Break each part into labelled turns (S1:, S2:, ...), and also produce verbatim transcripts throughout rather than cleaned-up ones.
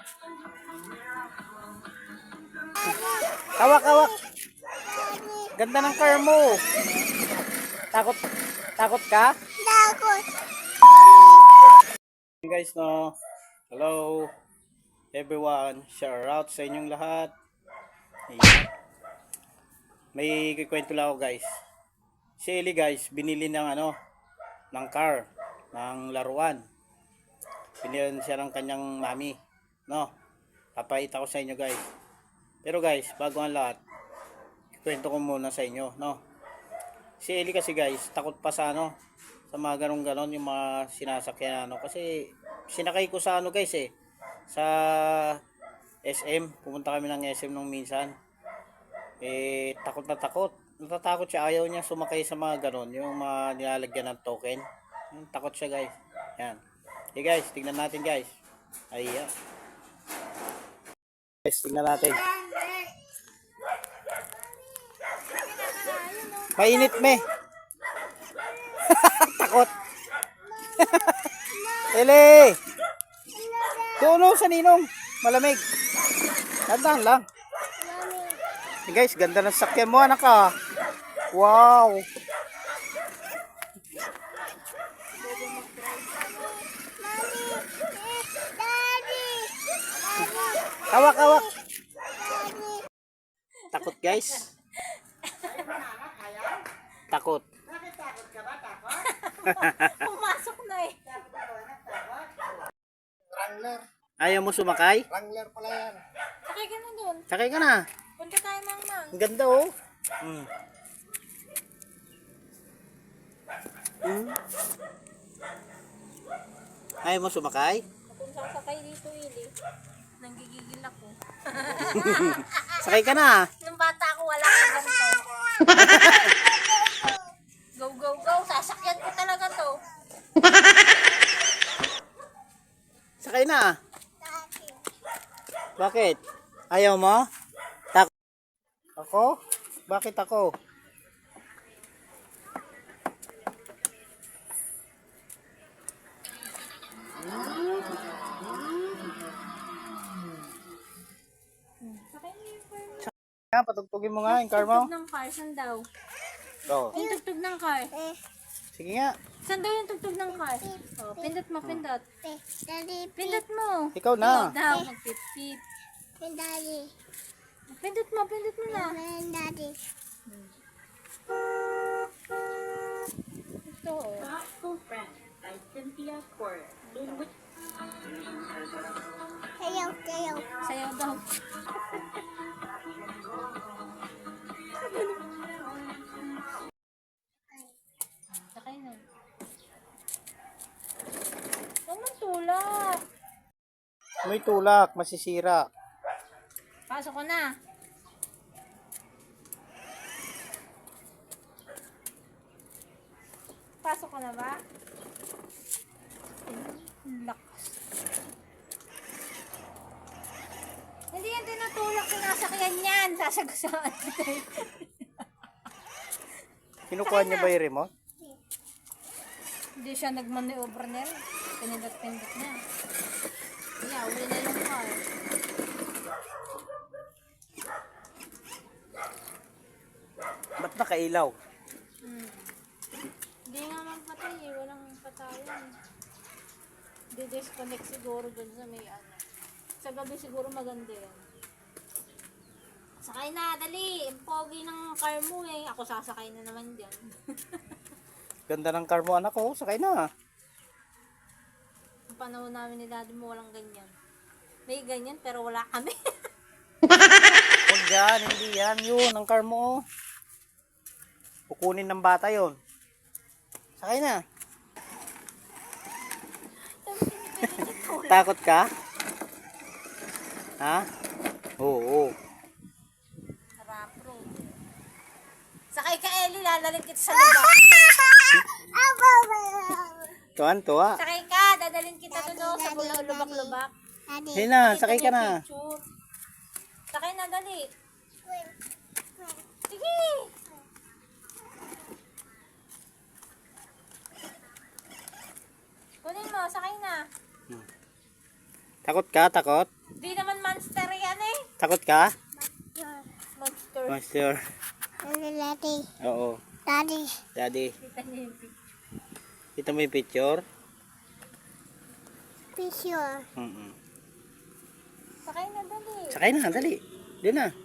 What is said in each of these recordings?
S1: Kawak, kawak. Ganda ng car mo. Takot, takot ka?
S2: Takot.
S1: Guys, no. Hello everyone. Shout out sa inyong lahat. Ayan. May kikwento lang ako guys. Si Eli guys, binili ng ano, ng car, ng laruan. Binili siya ng kanyang mami, no? Papakita ko sa inyo guys. Pero guys, bago ang lahat, kwento ko muna sa inyo, no? Si Eli kasi guys, takot pa sa ano, sa mga ganong ganon, yung mga sinasakyan ano. Kasi sinakay ko sa ano guys eh, sa S M. Pumunta kami ng S M nung minsan. Eh, takot na takot. Natatakot siya, ayaw niya sumakay sa mga ganon, yung mga nilalagyan ng token. Yung takot siya guys. Yan. Okay guys, tingnan natin guys. Ayan. Guys, tingnan natin. Mainit me. Takot. Ele. Doon sa ninong. Malamig. Tandaan lang. Hey guys, ganda ng sakyan mo anak ah. Wow. Kawak, kawak. Takot guys. Takot.
S2: Bakit takot ka ba? Takot? Pumasok na eh. Wrangler.
S1: Ayaw mo sumakay?
S2: Wrangler pala yan. Sakay ka na dun.
S1: Sakay ka na.
S2: Punta tayo mang-mang.
S1: Ang ganda oh. Mm. Mm. Ayaw mo sumakay?
S2: Kung sasakay dito, Ili, nanggigigil ako.
S1: Sakay ka na.
S2: Nung bata ako, wala ka ganito. Go, go, go. Sasakyan ko talaga to.
S1: Sakay na. Bakit? Ayaw mo? Tak ako? Bakit ako? Nga, patugtugin mo nga yung car mo.
S2: Tugtog ng car, saan daw?
S1: Oh.
S2: Yung tugtog ng car.
S1: Sige nga.
S2: Saan daw yung tugtog ng car? Oh, pindot mo, pindot. Pindot mo.
S1: Ikaw na.
S2: Ikaw daw, magpipip. Pindot mo, pindot mo na. Ito oh.
S3: Sayaw, sayaw.
S2: Sayaw daw. Sakay na. Huwag mong tulak.
S1: May tulak, masisira.
S2: Pasok ko na. Pasok ko na ba? Lakas. Hindi yan tinutulak, sinasakyan yan. Sasagasaan kita.
S1: Kinukuha niya ba yung remote?
S2: Hindi siya nagmaneuver niya. Pinindot-pindot niya. Yeah, uli na yung car.
S1: Ba't nakailaw?
S2: Hmm. Hindi nga magpatay eh. Walang patayan. Di-disconnect siguro dun sa may ano. Sa gabi siguro maganda yan. Sakay na, dali. Ang pogi ng car mo eh. Ako sasakay na naman dyan.
S1: Ganda ng car mo anak ko. Sakay na.
S2: Ang panahon namin ni daddy mo walang ganyan. May ganyan pero wala kami.
S1: Huwag yan, hindi yan. Yun, ang car mo. Kukunin ng bata yon. Sakay na. Takot ka? Ha? Oo.
S2: Rapro. Sakay ka, Eli. Lalalik kita sa lugar.
S1: Tuwan-tuwa.
S2: Sakay ka. Dadalhin kita doon sa bulang lubak-lubak.
S1: Hey na, sakay ka na.
S2: Picture. Sakay na, dali. Sige. Kunin mo, sakay na.
S1: Takot ka, takot?
S2: Di naman monster yan eh.
S1: Takot ka?
S2: Monster.
S1: Monster.
S3: Daddy.
S1: Oo.
S3: Daddy.
S1: Daddy,
S2: Kita niyo yung picture.
S1: kita mo yung picture?
S3: Picture.
S1: Mm-mm.
S2: Sakay na dali.
S1: Sakay na, dali. Doon na.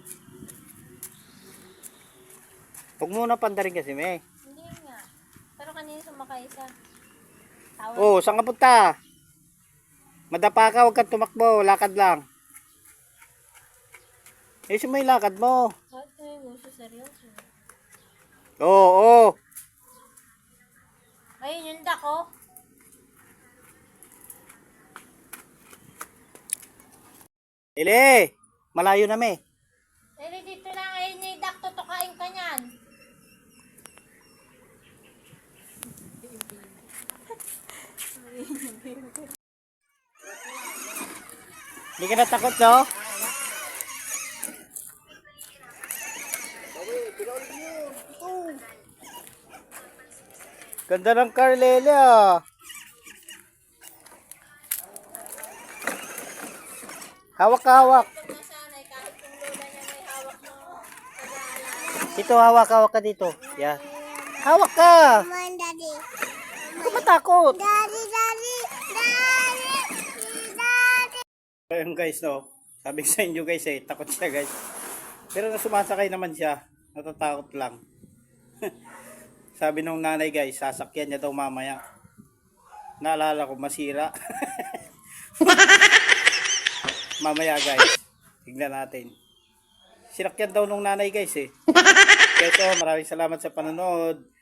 S1: Huwag muna pandarin kasi, me.
S2: Hindi nga. Pero kanina sumakay siya. Tawag.
S1: Oh, saan ka punta? Madapa ka, huwag kang tumakbo. Lakad lang. Eh, may lakad mo.
S2: Bakit mo yung gusto seryoso?
S1: Oo, oo.
S2: Ayun yung duck oh.
S1: Ele, malayo na, me.
S2: Dali dito lang. Ayun yung duck. Tutukain ka niyan.
S1: Hindi ka natakot, no? Ganda ng car, Lele, ah. Hawak ka, hawak.
S2: Nasanay kahit kung lola niya may hawak mo. Nag-aalala.
S1: Dito, hawak, hawak ka dito. Yeah. Hawak ka.
S3: Come on, Daddy.
S1: Huwag ka matakot.
S3: Daddy, Daddy. Daddy. Daddy.
S1: Ayun guys, no. Sabi ko sa inyo guys eh, takot siya guys. Pero na sumasakay naman siya, natatakot lang. Sabi nung nanay guys, sasakyan niya daw mamaya. Naalala ko, masira. Mamaya guys, tignan natin. Sinakyan daw nung nanay guys eh. Kaya ito, maraming salamat sa panonood.